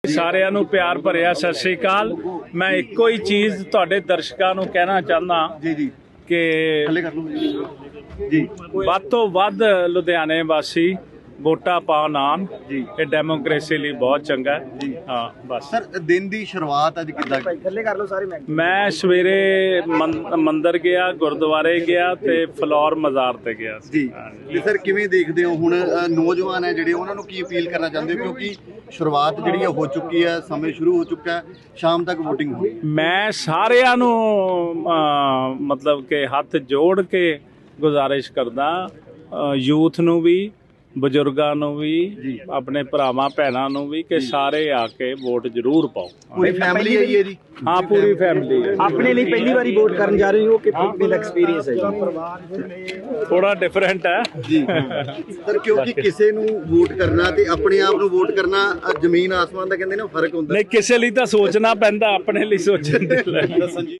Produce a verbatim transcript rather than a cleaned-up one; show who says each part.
Speaker 1: ਸਾਰਿਆਂ ਨੂੰ ਪਿਆਰ ਭਰਿਆ ਸਤਿ ਸ਼੍ਰੀ ਅਕਾਲ। ਮੈਂ ਇੱਕੋ ਹੀ ਚੀਜ਼ ਤੁਹਾਡੇ ਦਰਸ਼ਕਾਂ ਨੂੰ ਕਹਿਣਾ ਚਾਹੁੰਦਾ
Speaker 2: ਜੀ ਜੀ
Speaker 1: ਕਿ
Speaker 2: ਥੱਲੇ ਕਰ ਲਓ ਜੀ
Speaker 1: ਵੱਧ ਤੋਂ ਵੱਧ ਲੁਧਿਆਣੇ ਵਾਸੀ ਵੋਟਾਂ ਪਾਉਣ ਆਉਣ
Speaker 2: ਜੀ।
Speaker 1: ਇਹ ਡੈਮੋਕ੍ਰੇਸੀ ਲਈ ਬਹੁਤ ਚੰਗਾ ਹੈ
Speaker 2: ਜੀ।
Speaker 1: ਹਾਂ ਬਸ
Speaker 2: ਸਰ ਦਿਨ ਦੀ ਸ਼ੁਰੂਆਤ ਅੱਜ ਕਿੱਦਾਂ
Speaker 3: ਥੱਲੇ ਕਰ ਲਓ ਸਾਰੇ ਮੈਂ
Speaker 1: ਮੈਂ ਸਵੇਰੇ ਮੰ- ਮੰਦਿਰ ਗਿਆ, ਗੁਰਦੁਆਰੇ ਗਿਆ ਤੇ ਫਲੋਰ ਮਜ਼ਾਰ ਤੇ ਗਿਆ ਸੀ।
Speaker 2: ਜੀ ਤੇ ਸਰ ਕਿਵੇਂ ਦੇਖਦੇ ਹੋ ਹੁਣ ਅ, ਨੌਜਵਾਨ ਹੈ ਜਿਹੜੇ ਉਹਨਾਂ ਨੂੰ ਕੀ ਅਪੀਲ ਕਰਨਾ ਚਾਹੁੰਦੇ ਹੋ ਕਿਉਂਕਿ ਸ਼ੁਰੂਆਤ ਜਿਹੜੀ ਹੈ ਹੋ ਚੁੱਕੀ ਹੈ, ਸਮੇਂ ਸ਼ੁਰੂ ਹੋ ਚੁੱਕਾ ਹੈ, ਸ਼ਾਮ ਤੱਕ VOTING ਹੋਣੀ ਹੈ।
Speaker 1: ਮੈਂ ਸਾਰਿਆਂ ਨੂੰ ਅਹ, ਮਤਲਬ ਕਿ ਹੱਥ ਜੋੜ ਕੇ ਗੁਜ਼ਾਰਿਸ਼ ਕਰਦਾ ਯੂਥ ਨੂੰ ਵੀ, ਬਜ਼ੁਰਗਾਂ ਨੂੰ ਵੀ, ਆਪਣੇ ਭਰਾਵਾਂ ਭੈਣਾਂ ਨੂੰ ਵੀ ਕਿ ਸਾਰੇ ਆ ਕੇ ਵੋਟ ਜ਼ਰੂਰ ਪਾਓ।
Speaker 2: ਪੂਰੀ ਫੈਮਿਲੀ ਆਈ ਹੈ ਜੀ।
Speaker 1: ਹਾਂ ਪੂਰੀ ਫੈਮਿਲੀ ਹੈ।
Speaker 3: ਆਪਣੇ ਲਈ ਪਹਿਲੀ ਵਾਰੀ ਵੋਟ ਕਰਨ ਜਾ ਰਹੇ ਹੋ ਕਿ ਕਿੰਨਾ ਐਕਸਪੀਰੀਅੰਸ ਹੈ ਜੀ?
Speaker 1: ਥੋੜਾ ਡਿਫਰੈਂਟ ਹੈ
Speaker 2: ਜੀ ਸਰ ਕਿਉਂਕਿ ਕਿਸੇ ਨੂੰ ਵੋਟ ਕਰਨਾ ਤੇ ਆਪਣੇ ਆਪ ਨੂੰ ਵੋਟ ਕਰਨਾ ਅ, ਜ਼ਮੀਨ ਆਸਮਾਨ ਦਾ ਕਹਿੰਦੇ ਨੇ ਫਰਕ ਹੁੰਦਾ।
Speaker 1: ਨਹੀਂ ਕਿਸੇ ਲਈ ਤਾਂ ਸੋਚਣਾ ਪੈਂਦਾ, ਆਪਣੇ ਲਈ ਸੋਚਣ ਦੇ ਲਈ।
Speaker 2: ਦੱਸਣ ਜੀ